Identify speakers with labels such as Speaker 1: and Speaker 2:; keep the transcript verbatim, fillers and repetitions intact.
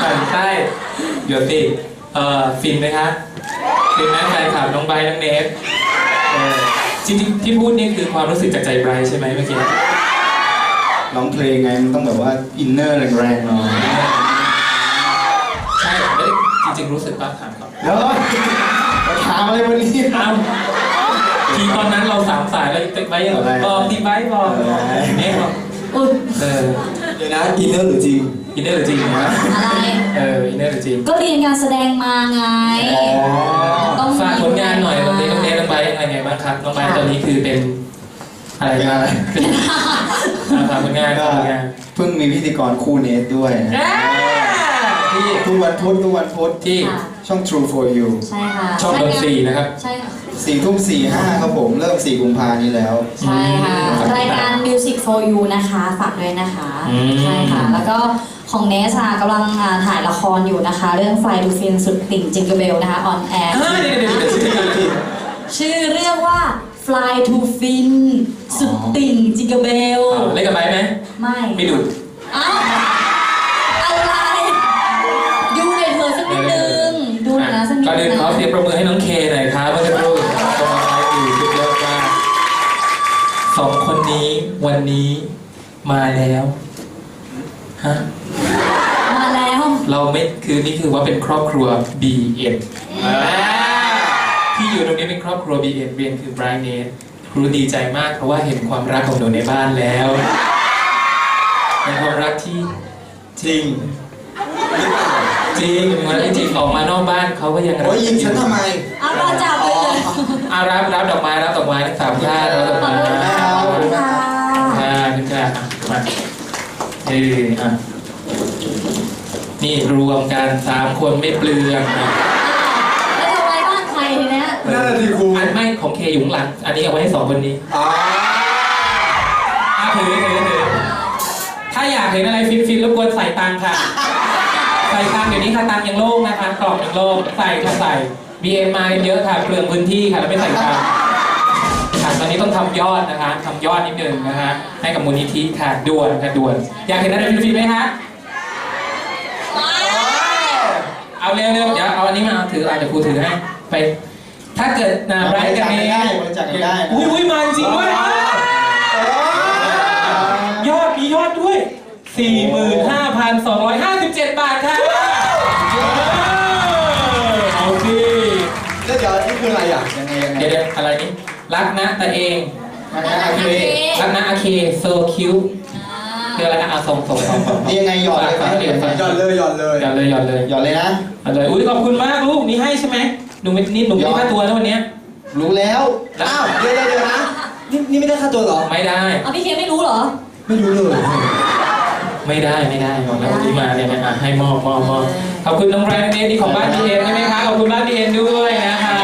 Speaker 1: ฝันใต้เดี๋ยวสิเอ่อฟินไหมคะฟินไหมแฟนคลับน้องไบร์ทน้องเนฟเออจริงๆที่พูดนี่คือความรู้สึกจากใจไบรท์ใช่ไหมเมื่อกี้
Speaker 2: ร้องเพลงไงมันต้องแบบว่าอินเนอร์แรงๆหน่อย
Speaker 1: ใช่ไม่ได้จริงๆรู้สึกป่ะถามครับ
Speaker 2: แล้วถามอะไรวันนี้
Speaker 1: อ้าวทีตอนนั้นเราสามสายแล้วติ๊กไบร์ทบอกติ๊กไบร์ทบอกเนฟบอกเออ
Speaker 2: เดี๋ยวนะอินเนอร์หรือจริง
Speaker 1: อินเนอร์หรือจริงนะ
Speaker 3: อะไร
Speaker 1: เอออินเนอร์หรือจริง
Speaker 3: ก็เรียนการแสดงมาไง
Speaker 1: ต้องฝากผลงานหน่อยตอนนี้น้องเนฟน้องไบร์ทยังไงบ้างครับน้องไบร์ทตอนนี้คือเป็นอะไรกันฝากผลงานก็
Speaker 2: เพิ่งมีพิธีกรคู่เนทด้วยที่ทุกวันพุธทุกวันพุธที่ช่อง True for You
Speaker 3: ใช่ค่ะ
Speaker 1: ช่องดนตรีนะครับ
Speaker 3: ใช่ค่ะ
Speaker 2: สี่ทุ่มสี่ห้าครับผมเริ่มสี่กุมภานี้แล้ว
Speaker 3: ใช่ค่ะรายการ Music for You นะคะฝากด้วยนะคะใช่ค่ะแล้วก็ของเนสค่ะกำลังถ่ายละครอยู่นะคะเรื่อง Fly to Fin สุดติ่งจิงเกิลเบลนะคะออนแอร์ชื่อเรื่องว่า Fly to Fin สุดติ่งจิงเกิลเบล
Speaker 1: เล่นกับไบไหม
Speaker 3: ไม่
Speaker 1: ไม่ดู
Speaker 3: อ้าวอะไรดูหน่อยเถอะสักนิดนึงดูหน่อยนะสักนิดนึง
Speaker 1: ก่อนอื่นขอเสียงปรบมือให้น้องเคหน่อยครับเมื่อสักครู่ตรงมาใช้อยู่สุดยอดมากสองคนนี้วันนี้มาแล้วฮะ
Speaker 3: มาแล้ว
Speaker 1: เราไม่คือนี่คือว่าเป็นครอบครัว บี เอ็น ที่อยู่ตรงนี้เป็นครอบครัว บี เอ็น เบียนคือไบรท์เนทครูดีใจมากเพราะว่าเห็นความรักของหนูในบ้านแล้วเป็นความรักที่จริงจริงมันจริงออกมานอกบ้านเขาก็ยังรัก
Speaker 2: โอ้ยยิงฉันทำไม
Speaker 3: เอาเราจับเลย
Speaker 1: อารับรับดอกไม้รับดอกไม้ทั้งสามท่านรับดอกไม้
Speaker 3: ขอบคุณค่ะ
Speaker 1: ค่ะคุณค่ะมาเอออ่ะนี่รวมกันสามคนไม่เปลือง
Speaker 3: แล้วจะไว้บ้านใครทีเนี้ย
Speaker 2: น่าจะครู
Speaker 1: อันไม่ของเคอยู่หลังอันนี้เอาไว้ให้สองคนนี้อ๋อถือถือถือถ้าอยากเห็นอะไรฟินฟินรบกวนใส่ตังค่ะใส่ตังเดี๋ยวนี้ค่ะตังยังโล่งนะคะกรอบยังโล่งใส่ค่ะใส่ บี เอ็ม มาเยอะค่ะเปลืองพื้นที่ค่ะแล้วไม่ใส่ตังค่ะตอนนี้ต้องทำยอดนะคะทำยอดนิดนึงนะคะให้กับมูลนิธิค่ะด่วนค่ะด่วนอยากเห็นอะไรฟินฟินไหมคะเอาเร็วๆเดี๋ยวเอาอันนี้มาเอาถืออาจจะครูถือให้ไปถ้าเกิดนาไบรท์กันนี้อุ้ยอุ้ยมาจริงด้วยยอดมียอดด้วย สี่หมื่นห้าพันสองร้อยห้าสิบเจ็ด บาทค่ะเอาสิ
Speaker 2: แล้วเดี๋ยวนี่คืออะไรอ่ะยังไงยังไง
Speaker 1: เดี๋ยวอะไรนี่รักนะแต่เอง
Speaker 2: รักนะอาเค
Speaker 1: รักนะอาเคโซคิวคืออะไรนะเอาส่งส่งส่ง
Speaker 2: นี่ยังไงหยอดเลยหยอดเลยหยอดเลย
Speaker 1: หยอดเลยหยอดเลย
Speaker 2: หยอดเลยนะ
Speaker 1: หยอดเลยอุ้ยขอบคุณมากลูกนี่ให้ใช่ไหมหนูไม่นี่หนูไม่ได้ค่าตัวนะวันนี้
Speaker 2: รู้แล้วอ้าวเดี๋ยวเดี๋ยวนะนี่นี่ไม่ได้ค่าตัวหรอ
Speaker 1: ไม่ได้
Speaker 3: อ๋อพี่เคไม่รู้เหรอ
Speaker 2: ไม่รู้เลย
Speaker 1: ไม่ได้ไม่ได้บอกแล้ววันนี้มาเนี่ยนะให้มอบมอบมอบขอบคุณน้องไบรท์เนทนี่ของบ้านพีเอ็นใช่ไหมคะขอบคุณบ้านพีเอ็นด้วยนะคะ